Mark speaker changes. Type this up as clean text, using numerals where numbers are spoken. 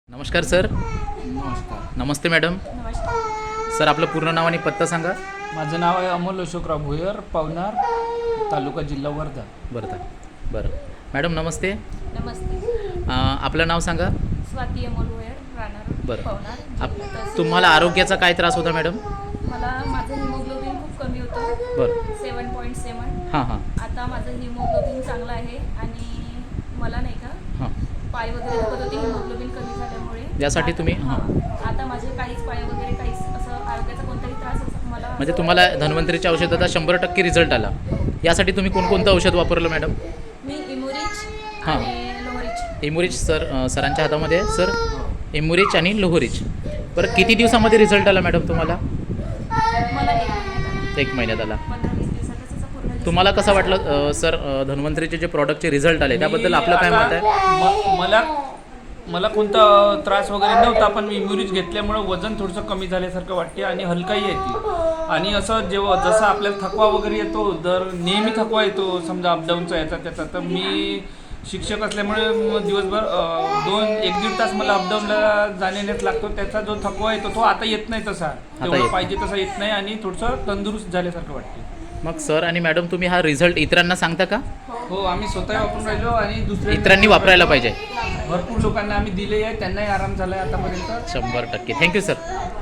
Speaker 1: नमस्कार सर.
Speaker 2: नमस्कार.
Speaker 1: नमस्ते मॅडम.
Speaker 3: नमस्कार.
Speaker 1: सर आपलं पूर्ण नाव आणि पत्ता सांगा.
Speaker 2: माझं नाव आहे अमोल अशोकराव भुयर, पवनार तालुका जिल्हा वर्धा.
Speaker 1: बरं मॅडम नमस्ते.
Speaker 3: नमस्ते.
Speaker 1: आपलं नाव सांगा.
Speaker 3: स्वाती अमोल वयर राहणार
Speaker 1: बरं.
Speaker 3: पवनार.
Speaker 1: तुम्हाला आरोग्याचा काय त्रास होता मॅडम?
Speaker 3: मला माझं हिमोग्लोबिन खूप कमी होतं.
Speaker 1: बरं.
Speaker 3: 7.7.
Speaker 1: हां.
Speaker 3: आता माझं हिमोग्लोबिन चांगलं आहे आणि मला नाही का
Speaker 1: हां.
Speaker 3: पाय वगैरे दुखत होते हिमोग्लोबिन कमी झाल्यामुळे.
Speaker 1: यासाठी तुम्ही
Speaker 3: आता माझे काहीच पाय वगैरे काहीच असं आरोग्याचा कोणताही त्रास असं मला
Speaker 1: म्हणजे तुम्हाला धन्वंतरीच्या औषधाचा 100% रिझल्ट आला. यासाठी तुम्ही कोणकोणतं औषध वापरलं मॅडम?
Speaker 3: मी इमुरिच
Speaker 1: हां.
Speaker 3: आणि लोहरिच.
Speaker 1: इमुरिच सरांच्या हातामध्ये आहे सर. इमुरिच आणि लोहरिच. बरं किती दिवसामध्ये रिझल्ट आला मॅडम तुम्हाला?
Speaker 3: मला 1 महिन्यात आला.
Speaker 1: 1 महिन्यात आला.
Speaker 3: 15-20 दिवसातच असं पूर्ण result.
Speaker 1: तुम्हाला कसं वाटलं सर धन्वंतरीचे जे प्रॉडक्टचे रिझल्ट आले त्याबद्दल आपलं काय मत आहे?
Speaker 2: मला कोणता त्रास वगैरे नव्हता, पण मी इम्युरिच घेतल्यामुळं वजन थोडंसं कमी झाल्यासारखं वाटते आणि हलकाही येते. आणि असं जसं आपल्याला थकवा वगैरे येतो, नेहमी थकवा येतो समजा अपडाऊनचा याचा त्याचा, तर मी शिक्षक असल्यामुळे दिवसभर 1-1.5 तास मला अपडाऊनला जाण्यात लागतो. त्याचा जो थकवा येतो तो आता येत नाही, तसा तेवढं पाहिजे तसा येत नाही आणि थोडंसं तंदुरुस्त झाल्यासारखं वाटते.
Speaker 1: मग सर आणि मॅडम तुम्ही हा रिझल्ट इतरांना सांगता का?
Speaker 2: हो, आम्ही स्वतः वापरून राहिलो आणि दुसऱ्या
Speaker 1: इतरांनी वापरायला पाहिजे.
Speaker 2: भरपूर लोकांना आम्ही दिले आहे, त्यांनाही आराम झाला आहे आतापर्यंत.
Speaker 1: 100%. Thank you sir.